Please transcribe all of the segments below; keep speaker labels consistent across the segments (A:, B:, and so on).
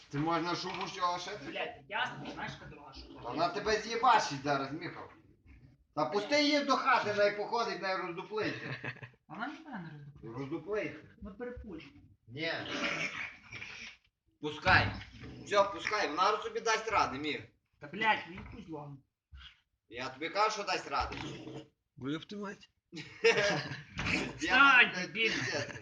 A: Це можна шубу з цього шити?
B: Блядь, ясно, знаєш, яка дорога шуба?
A: Вона тебе з'єбачить зараз, Міхал. Та пусти її до хати, най походить, най роздуплиться.
B: Вона ніхто не роздуплює.
A: Роздуплиться.
B: Ми перепущені.
A: Ні. Пускай. Все, пускай, вона собі дасть ради, Міх.
B: Та блядь, він кузлом.
A: Я тобі кажу, що дасть ради.
C: Ви ёб твою мать.
B: Встань,
A: Я,
B: дебіль.
A: пиздец.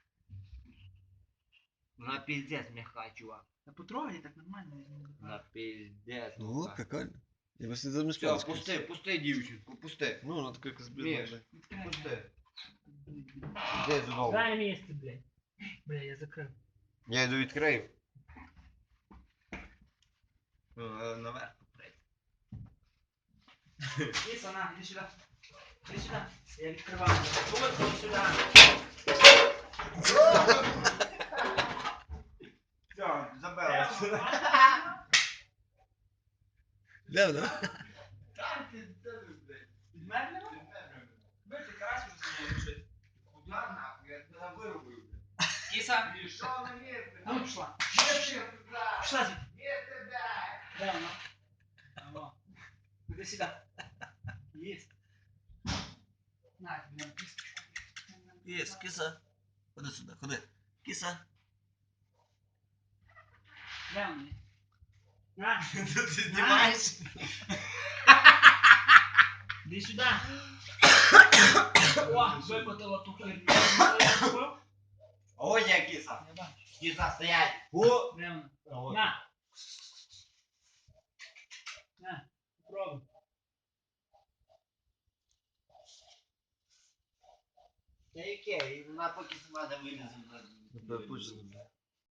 A: На пиздец мягкая, чувак.
B: Та потрогай так нормально.
A: На пиздец.
C: Ну,
A: мягкая.
C: прикольно. Я просто за
A: Все, пусти, пусти, дівчинку, пусти.
C: Ну, вона така якась
A: Міш,
C: блідна.
A: пусти. Де знову?
B: Дай місце, блядь. Бля, я закрив.
A: Я йду відкрию. Наверх поприть.
B: Іса, на, іди сюди. Іди сюди. Я відкриваю. Вот, іди сюди.
A: Все, забила.
C: Де вона?
A: Там ти, блядь.
B: Підмерли? Ви ти карась вже лежить.
A: Куда нахуй? Я тебе вирубую, блядь.
B: Кіса.
A: Пішов на місце.
B: Ну, пішла.
A: Місце туди.
B: Пішла звідти.
A: Місце дай.
B: Де вона? Алло. Іди сюди. Єсть. На, блін, кісточку.
C: Єс, киса. Ходи сюди, ходи. Киса.
B: Де вона? На,
C: Ти знімаєш?
B: іди сюди. О, випотила ту херню.
A: Ось я киса.
B: Я бачу.
A: Киса стоять.
B: Де вона? На. На, попробуй.
A: Та яке? Вона поки сама не вилізе.
C: Тебе пучно, бля.